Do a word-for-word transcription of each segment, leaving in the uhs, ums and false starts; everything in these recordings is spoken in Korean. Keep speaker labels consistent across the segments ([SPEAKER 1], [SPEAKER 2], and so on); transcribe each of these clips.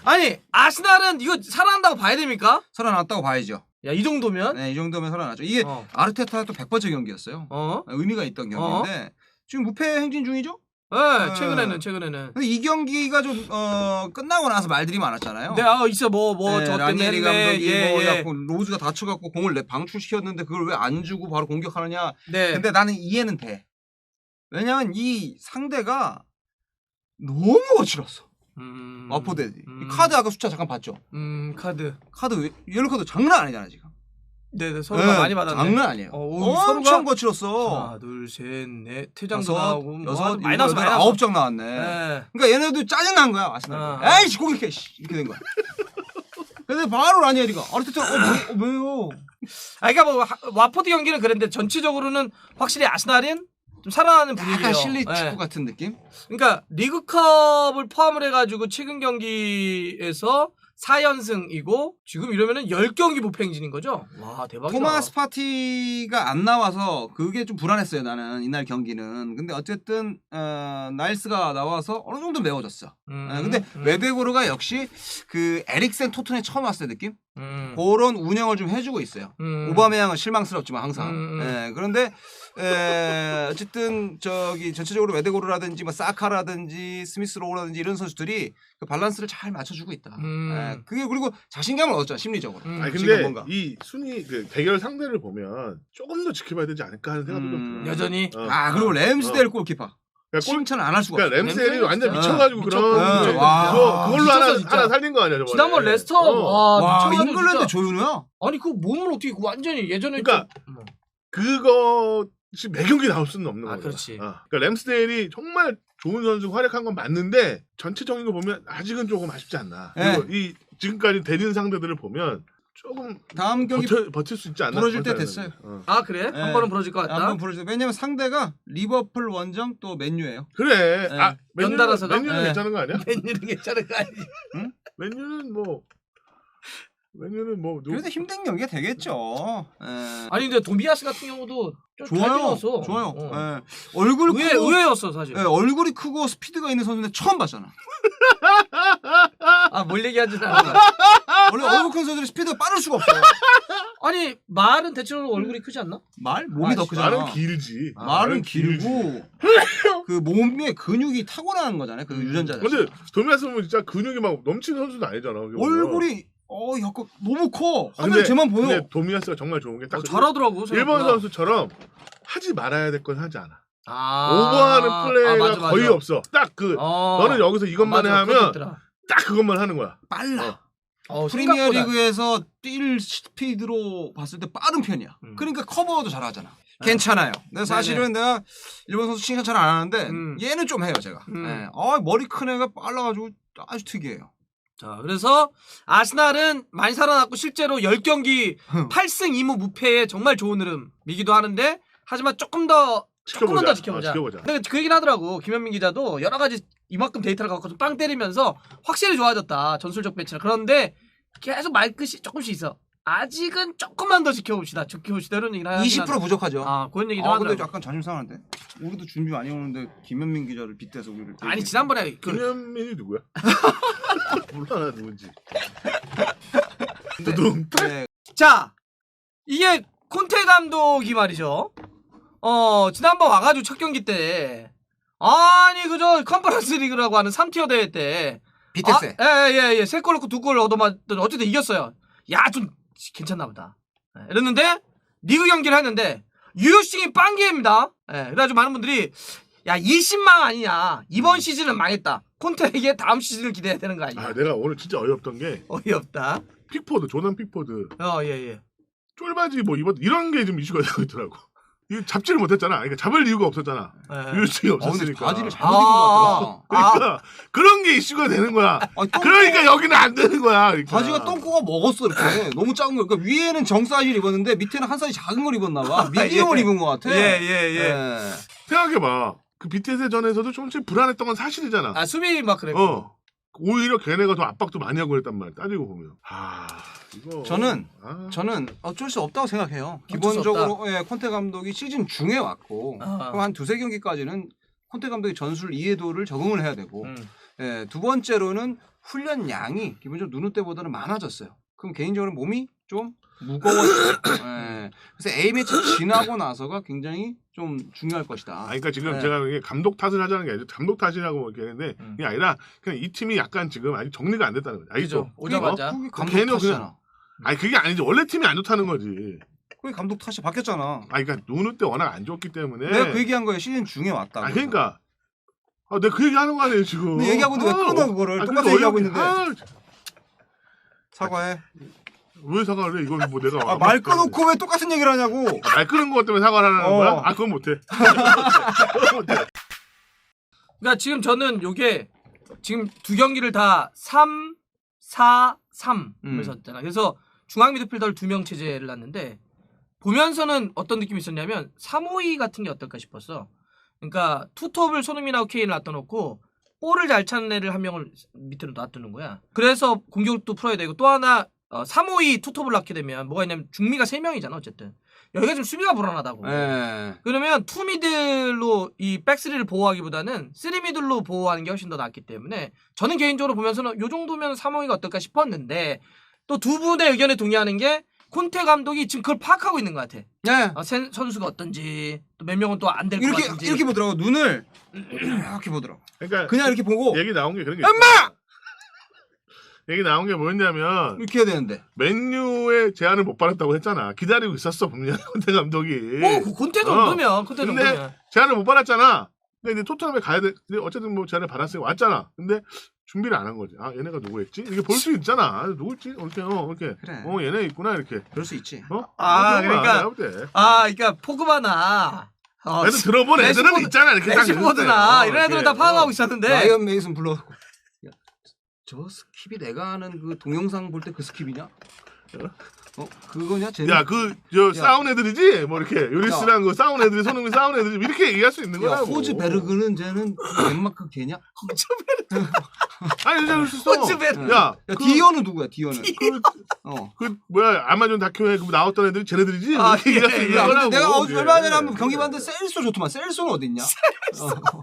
[SPEAKER 1] 아니 아스날은 이거 살아난다고 봐야 됩니까?
[SPEAKER 2] 살아났다고 봐야죠.
[SPEAKER 1] 야 이 정도면?
[SPEAKER 2] 네, 이 정도면 살아났죠. 이게
[SPEAKER 1] 어.
[SPEAKER 2] 아르테타의 또 백 번째 경기였어요.
[SPEAKER 1] 어?
[SPEAKER 2] 의미가 있던 경기인데 어? 지금 무패 행진 중이죠?
[SPEAKER 1] 네, 최근에는 최근에는.
[SPEAKER 2] 근데 이 경기가 좀 어, 끝나고 나서 말들이 많았잖아요.
[SPEAKER 1] 네, 아 있어 뭐 뭐 저
[SPEAKER 2] 네, 라니에리
[SPEAKER 1] 때문에
[SPEAKER 2] 감독이
[SPEAKER 1] 예,
[SPEAKER 2] 뭐
[SPEAKER 1] 예.
[SPEAKER 2] 로즈가 다쳐갖고 공을 내 방출시켰는데 그걸 왜 안 주고 바로 공격하느냐.
[SPEAKER 1] 네.
[SPEAKER 2] 근데 나는 이해는 돼. 왜냐면 이 상대가 너무 거칠었어.
[SPEAKER 1] 음,
[SPEAKER 2] 와포드들이.
[SPEAKER 1] 음.
[SPEAKER 2] 카드 아까 숫자 잠깐 봤죠?
[SPEAKER 1] 음 카드.
[SPEAKER 2] 카드 옐로 카드 장난 아니잖아 지금.
[SPEAKER 1] 네네 서로가
[SPEAKER 2] 네,
[SPEAKER 1] 많이 받았네.
[SPEAKER 2] 장난 아니에요.
[SPEAKER 1] 어, 오,
[SPEAKER 2] 엄청
[SPEAKER 1] 서로가
[SPEAKER 2] 거칠었어.
[SPEAKER 1] 하나 둘셋넷 퇴장도
[SPEAKER 2] 여섯,
[SPEAKER 1] 나오고 뭐
[SPEAKER 2] 여섯,
[SPEAKER 1] 하여튼 마이너스
[SPEAKER 2] 일곱, 여덟,
[SPEAKER 1] 마이너스.
[SPEAKER 2] 아홉 장 나왔네.
[SPEAKER 1] 네.
[SPEAKER 2] 그러니까 얘네도 짜증 난 거야 아스날.
[SPEAKER 1] 어.
[SPEAKER 2] 에이씨 공격해 이렇게 된 거야. 근데 바로 라니에리가 아르테타 어, 뭐, 어 왜요?
[SPEAKER 1] 아 그러니까 뭐 하- 와포드 경기는 그랬는데 전체적으로는 확실히 아스날은 좀 살아나는 분위기예요.
[SPEAKER 2] 약간 실리 축구
[SPEAKER 1] 네.
[SPEAKER 2] 같은 느낌?
[SPEAKER 1] 그러니까 리그컵을 포함을 해가지고 최근 경기에서 사 연승이고 지금 이러면은 열 경기 무패 행진인 거죠? 와 대박이다.
[SPEAKER 2] 토마스 파티가 안 나와서 그게 좀 불안했어요 나는 이날 경기는. 근데 어쨌든 어, 나일스가 나와서 어느 정도 메워졌어.
[SPEAKER 1] 음,
[SPEAKER 2] 어, 근데
[SPEAKER 1] 음.
[SPEAKER 2] 웨베고르가 역시 그 에릭센 토트넘에 처음 왔을 때 느낌?
[SPEAKER 1] 음.
[SPEAKER 2] 그런 운영을 좀 해주고 있어요.
[SPEAKER 1] 음.
[SPEAKER 2] 오바메양은 실망스럽지만 항상.
[SPEAKER 1] 음, 음.
[SPEAKER 2] 예, 그런데 에, 어쨌든 저기 전체적으로 웨데고르라든지 뭐 사카라든지 스미스 로우라든지 이런 선수들이 그 밸런스를 잘 맞춰주고 있다.
[SPEAKER 1] 음.
[SPEAKER 2] 예, 그게 그리고 자신감을 얻었잖아 심리적으로.
[SPEAKER 1] 음.
[SPEAKER 3] 아니
[SPEAKER 2] 지금
[SPEAKER 3] 근데
[SPEAKER 2] 뭔가.
[SPEAKER 3] 이 순위 그 대결 상대를 보면 조금 더 지켜봐야 되지 않을까 하는 생각도
[SPEAKER 2] 음.
[SPEAKER 3] 좀 들어요.
[SPEAKER 1] 여전히
[SPEAKER 3] 어.
[SPEAKER 2] 아 그리고 램스데일
[SPEAKER 3] 어.
[SPEAKER 2] 골키퍼
[SPEAKER 3] 그러니까, 골,
[SPEAKER 2] 칭찬을 안 할 수가 없어.
[SPEAKER 3] 그러니까 램스델이
[SPEAKER 1] 램스델이
[SPEAKER 3] 완전
[SPEAKER 1] 진짜
[SPEAKER 3] 미쳐가지고
[SPEAKER 1] 미쳤-
[SPEAKER 3] 그런
[SPEAKER 2] 미쳤-
[SPEAKER 3] 그거,
[SPEAKER 2] 와.
[SPEAKER 3] 그걸로
[SPEAKER 1] 미쳤어,
[SPEAKER 3] 하나
[SPEAKER 1] 진짜.
[SPEAKER 3] 하나 살린 거 아니야 저번에.
[SPEAKER 1] 지난번 레스터
[SPEAKER 3] 어.
[SPEAKER 1] 와,
[SPEAKER 2] 와
[SPEAKER 1] 미쳐가지고
[SPEAKER 2] 잉글랜드
[SPEAKER 1] 진짜.
[SPEAKER 2] 조윤우야.
[SPEAKER 1] 아니 그 몸을 어떻게 그 완전히 예전에
[SPEAKER 3] 그러니까
[SPEAKER 1] 좀- 뭐.
[SPEAKER 3] 그것이 매 경기 나올 수는 없는
[SPEAKER 1] 아,
[SPEAKER 3] 거야.
[SPEAKER 1] 그렇지.
[SPEAKER 3] 어. 그러니까 램스데일이 정말 좋은 선수 활약한 건 맞는데 전체적인 거 보면 아직은 조금 아쉽지 않나.
[SPEAKER 2] 네.
[SPEAKER 3] 그리고 이 지금까지 대리는 상대들을 보면 조금
[SPEAKER 2] 다음 경기
[SPEAKER 3] 버텨, 버틸 수 있지 않나.
[SPEAKER 2] 부러질 때
[SPEAKER 3] 그런
[SPEAKER 2] 됐어요.
[SPEAKER 3] 생각이 들어요. 어.
[SPEAKER 1] 아 그래?
[SPEAKER 2] 네.
[SPEAKER 1] 한 번은 부러질 것 같다.
[SPEAKER 2] 한번 부르죠. 왜냐면 상대가 리버풀 원정 또 맨유예요.
[SPEAKER 3] 그래.
[SPEAKER 2] 네.
[SPEAKER 3] 아, 맨유는,
[SPEAKER 1] 연달아서가?
[SPEAKER 3] 맨유는
[SPEAKER 2] 네.
[SPEAKER 3] 괜찮은 거 아니야?
[SPEAKER 1] 웬일은 괜찮은 거 아니지?
[SPEAKER 3] 맨유는 뭐 맨유는 뭐 누...
[SPEAKER 2] 그래도 힘든 경기가 되겠죠. 예.
[SPEAKER 1] 아니 근데 도미아스 같은 경우도 좀 잘
[SPEAKER 2] 좋아요.
[SPEAKER 1] 뛰어서
[SPEAKER 2] 좋아요.
[SPEAKER 1] 어.
[SPEAKER 2] 예. 얼굴
[SPEAKER 1] 의외,
[SPEAKER 2] 크고
[SPEAKER 1] 의외였어 사실.
[SPEAKER 2] 예, 얼굴이 크고 스피드가 있는 선수인데 처음 봤잖아.
[SPEAKER 1] 아 뭘 얘기하지 않아.
[SPEAKER 2] 원래 얼굴 큰 선수들이 스피드가 빠를 수가 없어요.
[SPEAKER 1] 아니 말은 대체로 얼굴이 크지 않나?
[SPEAKER 2] 말 몸이
[SPEAKER 1] 아,
[SPEAKER 2] 더 크잖아.
[SPEAKER 3] 말은 길지.
[SPEAKER 2] 아, 말은
[SPEAKER 3] 길지.
[SPEAKER 2] 길고 그 몸에 근육이 타고나는 거잖아요. 그 유전자. 자체가.
[SPEAKER 3] 근데 도미아스 보면 진짜 근육이 막 넘치는 선수는 아니잖아. 어떻게 보면.
[SPEAKER 2] 얼굴이 어 약간 너무 커.
[SPEAKER 3] 아,
[SPEAKER 2] 화면 쟤만 보여.
[SPEAKER 3] 근데 도미아스가 정말 좋은 게딱
[SPEAKER 1] 어, 잘하더라고.
[SPEAKER 3] 일본
[SPEAKER 1] 생각보다.
[SPEAKER 3] 선수처럼 하지 말아야 될 건 하지 않아.
[SPEAKER 1] 아,
[SPEAKER 3] 오버하는 플레이가
[SPEAKER 1] 아, 맞아, 맞아.
[SPEAKER 3] 거의 없어. 딱 그
[SPEAKER 1] 어.
[SPEAKER 3] 너는 여기서 이것만
[SPEAKER 1] 아, 맞아,
[SPEAKER 3] 해 하면
[SPEAKER 1] 그것도 있더라.
[SPEAKER 3] 딱 그것만 하는 거야.
[SPEAKER 2] 빨라.
[SPEAKER 1] 어,
[SPEAKER 2] 프리미어
[SPEAKER 1] 생각보다.
[SPEAKER 2] 리그에서 뛸 스피드로 봤을 때 빠른 편이야.
[SPEAKER 1] 음.
[SPEAKER 2] 그러니까 커버도 잘하잖아. 괜찮아요. 근데 사실은 내가 일본 선수 칭찬 잘 안 하는데
[SPEAKER 1] 음.
[SPEAKER 2] 얘는 좀 해요 제가.
[SPEAKER 1] 음.
[SPEAKER 2] 예. 아, 머리 큰 애가 빨라가지고 아주 특이해요.
[SPEAKER 1] 자, 그래서 아스날은 많이 살아났고 실제로 십 경기 팔 승 이 무 무패의 정말 좋은 흐름이기도 하는데 하지만 조금 더 조금만 더 지켜보자.
[SPEAKER 3] 어, 지켜보자.
[SPEAKER 1] 근데 그 얘기는 하더라고. 김현민 기자도 여러 가지 이만큼 데이터를 갖고 좀 빵 때리면서 확실히 좋아졌다. 전술적 배치나. 그런데 계속 말끝이 조금씩 있어. 아직은 조금만 더 지켜봅시다. 지켜봅시다. 이런 얘기를 하긴
[SPEAKER 2] 이십 퍼센트 부족하죠.
[SPEAKER 1] 아, 그런 얘기 좀
[SPEAKER 2] 아,
[SPEAKER 1] 하더라고.
[SPEAKER 2] 근데 약간 자존심 상한데. 우리도 준비 많이 오는데 김현민 기자를 빗대서 우리를.
[SPEAKER 1] 아니 지난번에 그
[SPEAKER 3] 김현민이 누구야? 몰라 나 누군지. 두둥.
[SPEAKER 2] 네.
[SPEAKER 1] 자, 이게 콘테 감독이 말이죠. 어, 지난번 와가지고 첫 경기 때, 아니, 그저 컨퍼런스 리그라고 하는 삼 티어 대회 때,
[SPEAKER 2] 비테세.
[SPEAKER 1] 아, 예, 예, 예. 세 골 넣고 두 골 얻어맞던, 어쨌든 이겼어요. 야, 좀, 괜찮나 보다. 예, 이랬는데, 리그 경기를 했는데, 유효싱이 빵기입니다. 예, 그래가지고 많은 분들이, 야, 일신망 아니냐. 이번 시즌은 망했다. 콘테에게 다음 시즌을 기대해야 되는 거 아니냐.
[SPEAKER 3] 아 내가 오늘 진짜 어이없던 게
[SPEAKER 1] 어이없다.
[SPEAKER 3] 픽포드 조던 픽포드
[SPEAKER 1] 어, 예, 예.
[SPEAKER 3] 쫄바지 뭐 입었 이런 게 좀 이슈가 되고 있더라고. 이거 잡지를 못했잖아. 그러니까 잡을 이유가 없었잖아.
[SPEAKER 1] 예.
[SPEAKER 3] 유효증이
[SPEAKER 2] 어, 근데
[SPEAKER 3] 없었으니까.
[SPEAKER 2] 바지를 잘못 입은 것 같더라.
[SPEAKER 3] 그러니까 그런 게 이슈가 되는 거야.
[SPEAKER 2] 아니, 똥-
[SPEAKER 3] 그러니까 여기는 안 되는 거야. 그러니까.
[SPEAKER 2] 바지가 똥꼬가 먹었어 이렇게. 너무 작은 거. 그러니까 위에는 정 사이즈를 입었는데 밑에는 한 사이즈 작은 걸 입었나 봐. 미디엄을
[SPEAKER 1] 예.
[SPEAKER 2] 입은 것 같아.
[SPEAKER 1] 예, 예, 예.
[SPEAKER 2] 예.
[SPEAKER 3] 생각해봐. 그 비티에스 전에서도 조금씩 불안했던 건 사실이잖아.
[SPEAKER 1] 아, 수비 막 그랬고.
[SPEAKER 3] 어. 오히려 걔네가 더 압박도 많이 하고 그랬단 말이야. 따지고 보면. 아, 이거.
[SPEAKER 2] 저는
[SPEAKER 3] 아.
[SPEAKER 2] 저는 어쩔 수 없다고 생각해요.
[SPEAKER 1] 어쩔 수
[SPEAKER 2] 기본적으로 예, 콘테 감독이 시즌 중에 왔고
[SPEAKER 1] 아.
[SPEAKER 2] 그럼 한 두세 경기까지는 콘테 감독의 전술 이해도를 적응을 해야 되고
[SPEAKER 1] 음.
[SPEAKER 2] 예, 두 번째로는 훈련 양이 기본적으로 누누 때보다는 많아졌어요. 그럼 개인적으로 몸이 좀 무거워졌어요. 예, 그래서 A매치 지나고 나서가 굉장히 좀 중요할 것이다.
[SPEAKER 3] 아, 그러니까 지금
[SPEAKER 2] 네.
[SPEAKER 3] 제가 이게 감독 탓을 하자는 게 아니라 감독 탓이라고 얘기하는데
[SPEAKER 1] 음.
[SPEAKER 3] 그게 아니라 그냥 이 팀이 약간 지금 아직 정리가 안 됐다는 거죠. 알겠죠?
[SPEAKER 1] 그죠. 오자마자.
[SPEAKER 2] 그게
[SPEAKER 3] 걔는
[SPEAKER 2] 감독 탓이잖아.
[SPEAKER 3] 아니 그게 아니지. 원래 팀이 안 좋다는 거지.
[SPEAKER 2] 그게 감독 탓이 바뀌었잖아.
[SPEAKER 3] 아니 그러니까 누누 때 워낙 안 좋기 때문에.
[SPEAKER 2] 내가 그 얘기한 거예요. 시즌 중에 왔다.
[SPEAKER 3] 아 그러니까. 아 내가 그 얘기 하는 거 아니에요 지금.
[SPEAKER 2] 근데 얘기하고 있는데 왜 끊어 그거를. 똑같은 얘기하고 있는데.
[SPEAKER 3] 아,
[SPEAKER 2] 사과해.
[SPEAKER 3] 왜 사과를 해? 이건 뭐 내가
[SPEAKER 2] 아, 말 끊어놓고 왜 똑같은 얘기를 하냐고.
[SPEAKER 3] 말 끊은 것 때문에 사과를 하는
[SPEAKER 2] 어.
[SPEAKER 3] 거야? 아 그건 못해. 그건 못해.
[SPEAKER 1] 그러니까 지금 저는 요게 지금 두 경기를 다 삼, 사, 삼을
[SPEAKER 2] 음.
[SPEAKER 1] 썼잖아. 그래서 중앙 미드필더를 두 명 체제를 놨는데 보면서는 어떤 느낌이 있었냐면 삼, 오, 이 같은 게 어떨까 싶었어. 그러니까 투톱을 손흥민하고 케인을 놔둬놓고 볼을 잘 차는 애를 한 명을 밑으로 놔두는 거야. 그래서 공격도 풀어야 되고 또 하나 어, 삼, 오, 이 투톱을 낳게 되면 뭐가 있냐면 중미가 세 명이잖아 어쨌든. 여기가 좀 수비가 불안하다고.
[SPEAKER 2] 예.
[SPEAKER 1] 그러면 투 미들로 이 백쓰리를 보호하기보다는 쓰리 미들로 보호하는 게 훨씬 더 낫기 때문에 저는 개인적으로 보면서는 요 정도면 삼, 오, 이가 어떨까 싶었는데 또 두 분의 의견에 동의하는 게 콘테 감독이 지금 그걸 파악하고 있는 것 같아.
[SPEAKER 2] 예.
[SPEAKER 1] 어, sen- 선수가 어떤지 또 몇 명은 또 안 될 것
[SPEAKER 2] 이렇게
[SPEAKER 1] 같은지.
[SPEAKER 2] 이렇게 보더라고. 눈을 이렇게 보더라고.
[SPEAKER 3] 그러니까
[SPEAKER 2] 그냥 이렇게 보고
[SPEAKER 3] 얘기 나온 게 그런 게
[SPEAKER 2] 엄마!
[SPEAKER 3] 있어. 얘기 나온 게 뭐였냐면
[SPEAKER 2] 이렇게 해야 되는데.
[SPEAKER 3] 맨유의 제안을 못 받았다고 했잖아. 기다리고 있었어 분명히 콘테 감독이.
[SPEAKER 1] 어, 그 콘테 정도면 콘테
[SPEAKER 3] 근데
[SPEAKER 1] 정도면.
[SPEAKER 3] 제안을 못 받았잖아. 근데 이제 토트넘에 가야 돼. 근데 어쨌든 뭐 제안을 받았으니까 왔잖아. 근데 준비를 안 한 거지. 아 얘네가 누구였지? 이렇게 볼 수 있잖아. 누구였지? 이렇게 어 이렇게.
[SPEAKER 2] 그래.
[SPEAKER 3] 어 얘네 있구나 이렇게.
[SPEAKER 2] 그럴 수 있지.
[SPEAKER 3] 어?
[SPEAKER 1] 아,
[SPEAKER 3] 그런 거야,
[SPEAKER 1] 그러니까-
[SPEAKER 3] 내가 볼 때.
[SPEAKER 1] 아, 그러니까 포그바나. 어,
[SPEAKER 3] 그래도 들어본 애들은
[SPEAKER 1] 레시포드-
[SPEAKER 3] 있잖아. 이렇게 딱
[SPEAKER 1] 레시포드나
[SPEAKER 3] 있는데.
[SPEAKER 1] 이런 애들은 다
[SPEAKER 3] 이렇게.
[SPEAKER 1] 파악하고
[SPEAKER 3] 어.
[SPEAKER 1] 있었는데.
[SPEAKER 2] 라이언 메이슨 불러갖고. 야, 저 스킵이 내가 아는 그 동영상 볼 때 그 스킵이냐? 어 그거냐? 쟤는?
[SPEAKER 3] 야, 그, 저,
[SPEAKER 2] 야.
[SPEAKER 3] 싸운 애들이지? 뭐, 이렇게, 요리스랑 그 싸운 애들이, 손흥민 싸운 애들이, 이렇게 얘기할 수 있는
[SPEAKER 2] 야,
[SPEAKER 3] 거라고.
[SPEAKER 2] 호즈베르그는 쟤는 덴마크 걔냐?
[SPEAKER 3] 아니, 진짜 그럴 수 있어.
[SPEAKER 1] 호즈베르.
[SPEAKER 3] 야,
[SPEAKER 2] 야,
[SPEAKER 3] 그,
[SPEAKER 2] 디어는 누구야? 디어는.
[SPEAKER 3] 그,
[SPEAKER 2] 어.
[SPEAKER 3] 그, 뭐야, 아마존 다큐에 그 나왔던 애들이 쟤네들이지?
[SPEAKER 1] 아,
[SPEAKER 3] 이렇게 얘기할 수
[SPEAKER 1] 예,
[SPEAKER 3] 있는
[SPEAKER 1] 예.
[SPEAKER 2] 야,
[SPEAKER 3] 거라고.
[SPEAKER 2] 근데 내가 어,
[SPEAKER 3] 그게.
[SPEAKER 2] 얼마 전에 한번 경기 봤는데 셀소 좋더만. 셀소는 어딨냐? 어.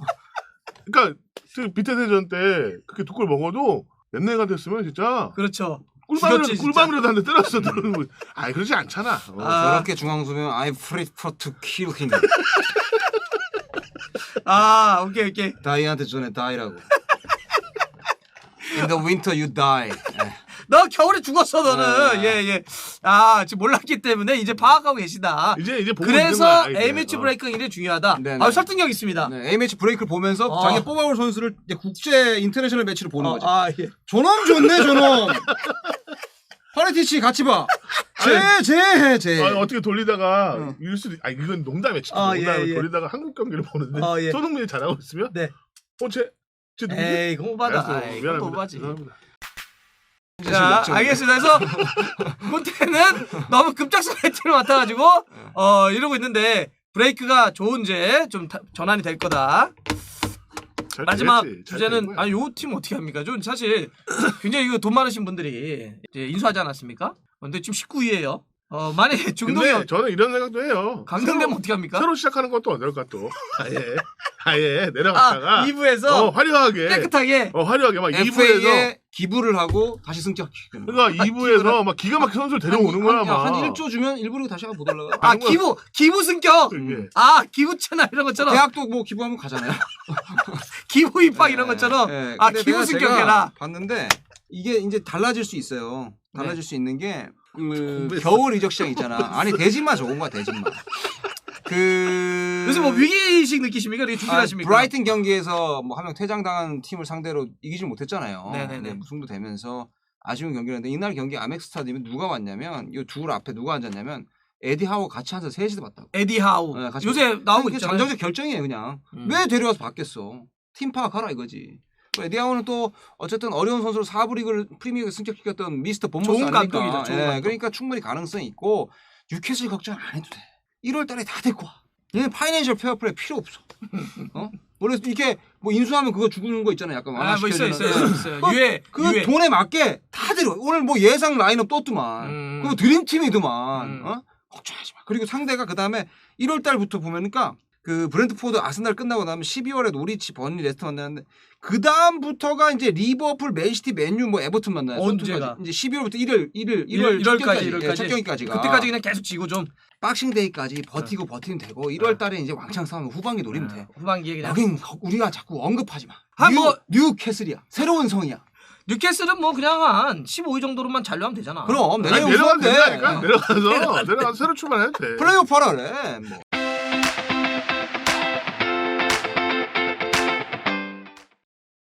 [SPEAKER 3] 그러니까, 그 밑에 대전 때, 그렇게 두 골 먹어도, 옛날 같았으면 진짜,
[SPEAKER 1] 그렇죠.
[SPEAKER 3] 꿀밤이라도,
[SPEAKER 1] 죽였지, 진짜.
[SPEAKER 3] 꿀밤이라도 한 대 때렸어. 아이, 그러지 않잖아. 어.
[SPEAKER 1] 아.
[SPEAKER 2] 저렇게 중앙수면 I prefer to kill him.
[SPEAKER 1] 아, 오케이, 오케이.
[SPEAKER 2] 다이한테 전에 다이라고. In the winter you die. 예.
[SPEAKER 1] 너 겨울에 죽었어, 너는.
[SPEAKER 2] 아.
[SPEAKER 1] 예, 예. 아, 지금 몰랐기 때문에 이제 파악하고 계시다.
[SPEAKER 3] 이제, 이제 보고
[SPEAKER 1] 그래서
[SPEAKER 3] 있는 거야, 이제.
[SPEAKER 1] A매치
[SPEAKER 3] 어.
[SPEAKER 1] 브레이크가 굉장히 중요하다.
[SPEAKER 2] 네네.
[SPEAKER 1] 아, 설득력 있습니다.
[SPEAKER 2] 네, A매치 브레이크를 보면서
[SPEAKER 1] 어.
[SPEAKER 2] 자기가 뽑아올 선수를 이제 국제 인터내셔널 매치로 보는
[SPEAKER 1] 어,
[SPEAKER 2] 거지.
[SPEAKER 1] 아, 예.
[SPEAKER 2] 저놈 좋네, 저놈. 파레티치 같이 봐. 제, 제, 제.
[SPEAKER 3] 아, 어떻게 돌리다가
[SPEAKER 2] 응.
[SPEAKER 3] 이럴 수도 있- 아 이건 농담이야 진짜
[SPEAKER 1] 아,
[SPEAKER 3] 농담에
[SPEAKER 1] 예, 예.
[SPEAKER 3] 돌리다가 한국 경기를 보는데
[SPEAKER 1] 아, 예.
[SPEAKER 3] 손흥민이 잘하고 있으면
[SPEAKER 1] 네.
[SPEAKER 3] 어쟤쟤 누구지?
[SPEAKER 1] 에이, 그거 오바다.
[SPEAKER 3] 알았어,
[SPEAKER 1] 에이, 그거
[SPEAKER 3] 미안합니다.
[SPEAKER 1] 오바지.
[SPEAKER 3] 죄송합니다.
[SPEAKER 1] 자, 알겠습니다. 그래서 콘테는 너무 급작스러운 혜택을 맡아가지고 어 이러고 있는데 브레이크가 좋은지 좀 타- 전환이 될 거다.
[SPEAKER 3] 잘
[SPEAKER 1] 마지막
[SPEAKER 3] 되겠지. 잘
[SPEAKER 1] 주제는
[SPEAKER 3] 되는 거야.
[SPEAKER 1] 아니 요 팀 어떻게 합니까? 좀 사실 굉장히 이거 돈 많으신 분들이 이제 인수하지 않았습니까? 근데 지금 십구 위예요. 어 만약에 중동에
[SPEAKER 3] 근데 저는 이런 생각도 해요.
[SPEAKER 1] 강등되면
[SPEAKER 3] 새로,
[SPEAKER 1] 어떻게 합니까?
[SPEAKER 3] 새로 시작하는 것도 어떨까 또 아예 아예 내려갔다가
[SPEAKER 1] 아, 이 부에서
[SPEAKER 3] 어, 화려하게
[SPEAKER 1] 깨끗하게
[SPEAKER 3] 어 화려하게 막 이 부에서
[SPEAKER 2] 에프에이에 기부를 하고 다시 승격시키는 거야.
[SPEAKER 3] 그러니까 이 부에서 막 기가 막힌 선수를 데려오는 거야
[SPEAKER 2] 한,
[SPEAKER 3] 막.
[SPEAKER 2] 한 일 조 주면 일부러 다시 한번 못 올라가.
[SPEAKER 1] 아
[SPEAKER 3] 하는 거야.
[SPEAKER 1] 기부 기부 승격.
[SPEAKER 3] 이게.
[SPEAKER 1] 아 기부채나 이런 것처럼
[SPEAKER 2] 대학도 뭐 기부하면 가잖아요.
[SPEAKER 1] 기부 입학 이런 것처럼
[SPEAKER 2] 예,
[SPEAKER 1] 아
[SPEAKER 2] 근데
[SPEAKER 1] 기부
[SPEAKER 2] 내가
[SPEAKER 1] 승격해라.
[SPEAKER 2] 제가 봤는데 이게 이제 달라질 수 있어요. 달라질
[SPEAKER 1] 네.
[SPEAKER 2] 수 있는 게 그,
[SPEAKER 3] 공부했어.
[SPEAKER 2] 겨울 이적 시장 있잖아. 아니 대진마 좋은 거야 대진마. 그
[SPEAKER 1] 요새 뭐 위기의식 느끼십니까? 이렇게
[SPEAKER 2] 아,
[SPEAKER 1] 준비하십니까?
[SPEAKER 2] 브라이튼 경기에서 뭐 한 명 퇴장당한 팀을 상대로 이기지 못했잖아요.
[SPEAKER 1] 네네네.
[SPEAKER 2] 네, 무승도 되면서 아쉬운 경기였는데 이날 경기 아멕 스타디움에 누가 왔냐면 이 둘 앞에 누가 앉았냐면 에디 하워 같이 앉아서 셋이서 봤다고.
[SPEAKER 1] 에디 하우
[SPEAKER 2] 네, 같이
[SPEAKER 1] 요새 나오고
[SPEAKER 2] 그게
[SPEAKER 1] 있잖아요.
[SPEAKER 2] 전형적 결정이에요 그냥.
[SPEAKER 1] 음.
[SPEAKER 2] 왜 데려와서 받겠어. 팀 파악하라 이거지. 또 에디 하워는 또 어쨌든 어려운 선수로 사 부 리그를 프리미어리그 승격시켰던 미스터 본보스
[SPEAKER 1] 좋은
[SPEAKER 2] 아닙니까?
[SPEAKER 1] 감독이죠, 좋은
[SPEAKER 2] 예,
[SPEAKER 1] 감독.
[SPEAKER 2] 그러니까 충분히 가능성이 있고 뉴캐슬 걱정 안 해도 돼. 일월 달에 다 데리고 와. 얘는 파이낸셜 페어플레이 필요 없어. 어? 원래 이렇게 뭐 인수하면 그거 죽는 거 있잖아요. 약간
[SPEAKER 1] 아, 뭐 있어요, 있어요,
[SPEAKER 2] 완화시켜주는.
[SPEAKER 1] 있어요.
[SPEAKER 2] 그-
[SPEAKER 1] 유해,
[SPEAKER 2] 그
[SPEAKER 1] 유해.
[SPEAKER 2] 돈에 맞게 다 데려. 오늘 뭐 예상 라인업 떴더만.
[SPEAKER 1] 음.
[SPEAKER 2] 그거 드림팀이더만.
[SPEAKER 1] 음.
[SPEAKER 2] 어? 걱정하지 마. 그리고 상대가 그 다음에 일월 달부터 보면니까 그 브렌트포드 아스날 끝나고 나면 십이월에 노리치, 버니, 레스터 만나는데 그 다음부터가 이제 리버풀, 맨시티, 맨유, 뭐 에버튼 만나요.
[SPEAKER 1] 언제가?
[SPEAKER 2] 토트넘까지. 이제 십이월부터 일월, 일일,
[SPEAKER 1] 일월,
[SPEAKER 2] 일월
[SPEAKER 1] 일월까지,
[SPEAKER 2] 첫
[SPEAKER 1] 일월까지.
[SPEAKER 2] 경기까지, 첫 경기까지가
[SPEAKER 1] 그때까지 그냥 계속 지고 좀
[SPEAKER 2] 박싱데이까지 버티고 버티면 되고 일월달에 이제 왕창 싸우면 후반기 노리면
[SPEAKER 1] 어,
[SPEAKER 2] 돼.
[SPEAKER 1] 후반기에 그냥
[SPEAKER 2] 여긴 우리가 자꾸 언급하지 마.
[SPEAKER 1] 아,
[SPEAKER 2] 뉴,
[SPEAKER 1] 뭐-
[SPEAKER 2] 뉴캐슬이야. 새로운 성이야.
[SPEAKER 1] 뉴캐슬은 뭐 그냥 한 십오 위 정도로만 잔류하면 되잖아.
[SPEAKER 2] 그럼
[SPEAKER 3] 아니,
[SPEAKER 2] 내년
[SPEAKER 3] 내려가도
[SPEAKER 2] 우승한데
[SPEAKER 3] 된다니까. 내려가서 내려가서 새로 출발해도 돼.
[SPEAKER 2] 플레이오프 하라 그래. 뭐.